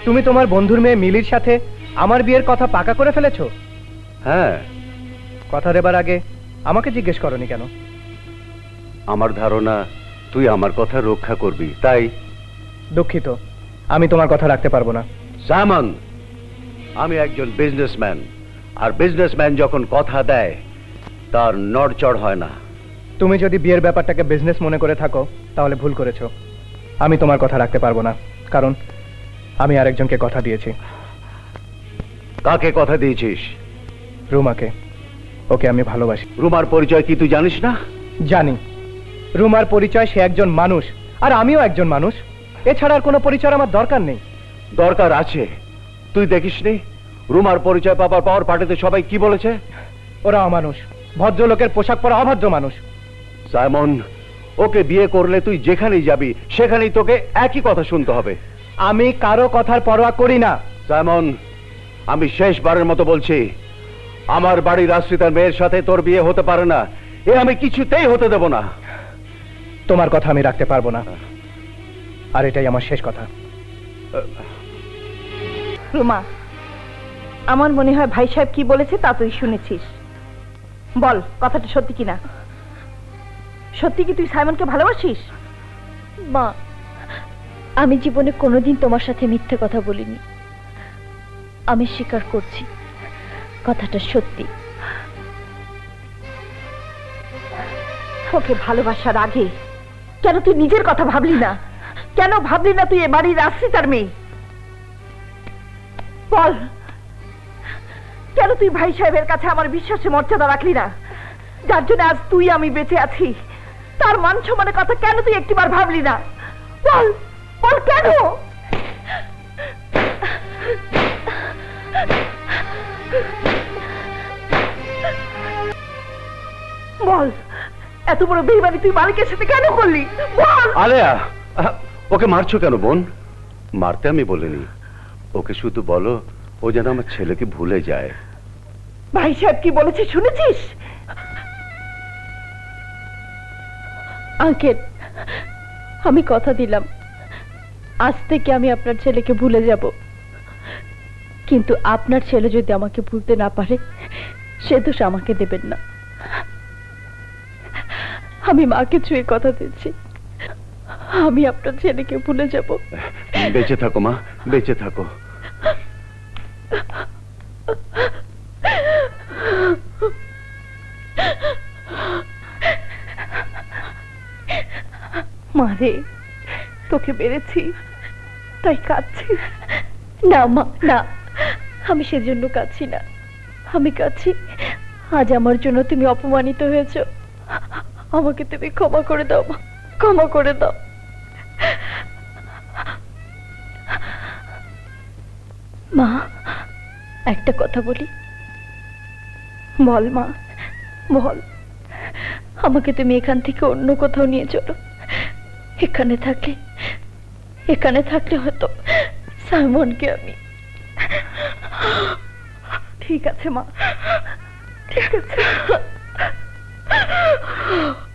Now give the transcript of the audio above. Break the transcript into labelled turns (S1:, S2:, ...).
S1: তুমি তোমার বন্ধুর মেয়ে মিলির সাথে আমার বিয়ের কথা পাকা করে ফেলেছো?
S2: হ্যাঁ।
S1: কথা দেবার আগে আমাকে জিজ্ঞেস করনি কেন?
S2: আমার ধারণা তুই আমার কথা রক্ষা করবি, তাই।
S1: দুঃখিত, আমি তোমার কথা রাখতে পারবো না।
S2: সাইমন, আমি একজন বিজনেসম্যান, আর বিজনেসম্যান যখন কথা দেয় তার নড়চড় হয় না।
S1: তুমি যদি বিয়ের ব্যাপারটাকে বিজনেস মনে করে থাকো তাহলে ভুল করেছো। আমি তোমার কথা রাখতে পারবো না, কারণ আমি আরেকজনকে কথা দিয়েছি।
S2: কাকে কথা দিয়েছিস?
S1: রুমাকে। ওকে আমি ভালোবাসি।
S2: রুমার পরিচয় কি তুই জানিস না?
S1: জানি। রুমার পরিচয় সে একজন মানুষ, আর আমিও একজন মানুষ। এছাড়া আর কোনো পরিচয় আমার দরকার নেই।
S2: দরকার আছে। তুই দেখিসনি রুমার পরিচয় পাওয়ার পার্টিতে সবাই কি বলেছে?
S1: ওরা অমানুষ, ভদ্রলোকের পোশাক পরা অভদ্র মানুষ।
S2: সাইমন, ওকে বিয়ে করলে তুই যেখানেই যাবি সেখানেই তোকে একই কথা শুনতে হবে।
S1: আমি কারো কথার পরোয়া করি না।
S2: সাইমন, আমি শেষবারের মতো বলছি, আমার বাড়ির আশ্রিতার মেয়ের সাথে তোর বিয়ে হতে পারে না। এ আমি কিছুতেই হতে দেব না।
S1: তোমার কথা আমি রাখতে পারবো না, আর এটাই আমার শেষ কথা।
S3: রুমা, আমার মনে হয় ভাই সাহেব কি বলেছে তা তুই শুনেছিস। বল, কথাটা সত্যি কিনা? সত্যি কি তুই সাইমনকে ভালোবাসিস?
S4: মা, আমি জীবনে কোনোদিন তোমার সাথে মিথ্যে কথা বলিনি। আমি স্বীকার করছি, কথাটা সত্যি।
S3: ওকে ভালোবাসার আগে কেন তুই নিজের কথা ভাবলি না? কেন ভাবলি না তুই এ বাড়ির আশ্রিতার মেয়ে? বল, কেন তুই ভাই সাহেবের কাছে আমার বিশ্বাসে মর্যাদা রাখলি না? যার জন্য আজ তুই আমি বেঁচে আছি, তার মান সম্মানের কথা কেন তুই একটিবার ভাবলি না? বল বল, কেন? বল, এত বড় বেইমানি তুই মালিকের সাথে কেন করলি? বল।
S2: আলেয়া, ওকে মারছো কেন বোন? মারতে আমি বলিনি, ওকে শুধু বলো ও যেন আমার ছেলেকে ভুলে যায়।
S3: ভাই সাহেব কি বলেছে শুনেছিস?
S4: আঙ্কেল, আমি কথা দিলাম আজ থেকে আমি আপনার ছেলেকে ভুলে যাব, কিন্তু আপনার ছেলে যদি আমাকে ভুলতে না পারে সে দোষ আমাকে দেবেন না। আমি মাকে ছুঁয়ে কথা দিচ্ছি, আমি আপনার ছেলেকে ভুলে যাব।
S2: বেঁচে থাকো মা, বেঁচে থাকো।
S3: মারে, তোকে বেড়েছি তাই কাঁদছি?
S4: না মা, না, আমি সেজন্য কাঁদছি না। আমি কাঁদছি আজ আমার জন্য তুমি অপমানিত হয়েছো। আমাকে তুমি ক্ষমা করে দাও মা, ক্ষমা করে দাও। মা, একটা কথা বলি।
S3: বল মা, বল।
S4: আমাকে তুমি এখান থেকে অন্য কোথাও নিয়ে চলো। এখানে থাকলে হয়তো সাইমনকে আমি।
S3: ঠিক আছে মা, ঠিক আছে।